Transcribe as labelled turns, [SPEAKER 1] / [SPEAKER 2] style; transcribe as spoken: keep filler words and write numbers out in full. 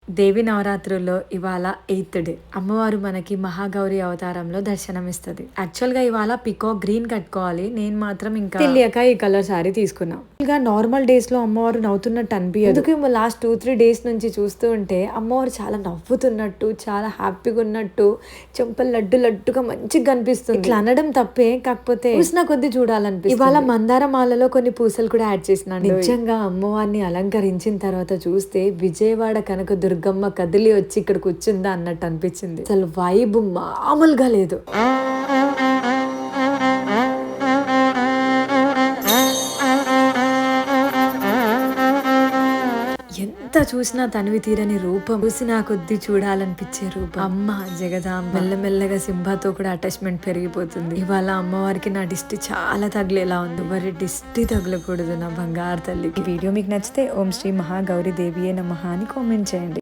[SPEAKER 1] దేవి నవరాత్రుల్లో ఇవాళ eighth day. అమ్మవారు మనకి మహాగౌరి అవతారంలో దర్శనమిస్తది. యాక్చువల్ గా ఇవాళ పికో గ్రీన్ కట్టుకోవాలి, నేను మాత్రం ఇంకా తెలియక ఈ కలర్ సారీ తీసుకున్నా. ఇంకా నార్మల్ డేస్ లో అమ్మవారు నవ్వుతున్నట్టు అనిపించదు. ఎందుకు లాస్ట్ టూ త్రీ డేస్ నుంచి చూస్తూ ఉంటే అమ్మవారు చాలా నవ్వుతున్నట్టు, చాలా హ్యాపీగా ఉన్నట్టు, చెంపలు లడ్డు లడ్డుగా మంచిగా కనిపిస్తుంది. ఇట్లా అనడం తప్పే, కాకపోతే చూసిన కొద్ది చూడాలనిపిస్తుంది. ఇవాళ మందార మాలలో కొన్ని పూసలు కూడా యాడ్ చేసినాను. నిజంగా అమ్మవారిని అలంకరించిన తర్వాత చూస్తే విజయవాడ కనక దుర్గమ్మ కదిలి వచ్చి ఇక్కడ కూర్చుందా అన్నట్టు అనిపించింది. అసలు వైబ్ మామూలుగా లేదు. ఎంత చూసినా తనివి తీరని రూపం, చూసినా కొద్ది చూడాలనిపించే రూపం. అమ్మ జగదాంబ. మెల్లమెల్లగా సింబాతో కూడా అటాచ్మెంట్ పెరిగిపోతుంది. ఇవాళ అమ్మవారికి నా దిష్టి చాలా తగిలేలా ఉంది. మరి దిష్టి తగలకూడదు నా బంగారు తల్లికి. వీడియో మీకు నచ్చితే ఓం శ్రీ మహాగౌరి దేవియే నమః అని కామెంట్ చేయండి.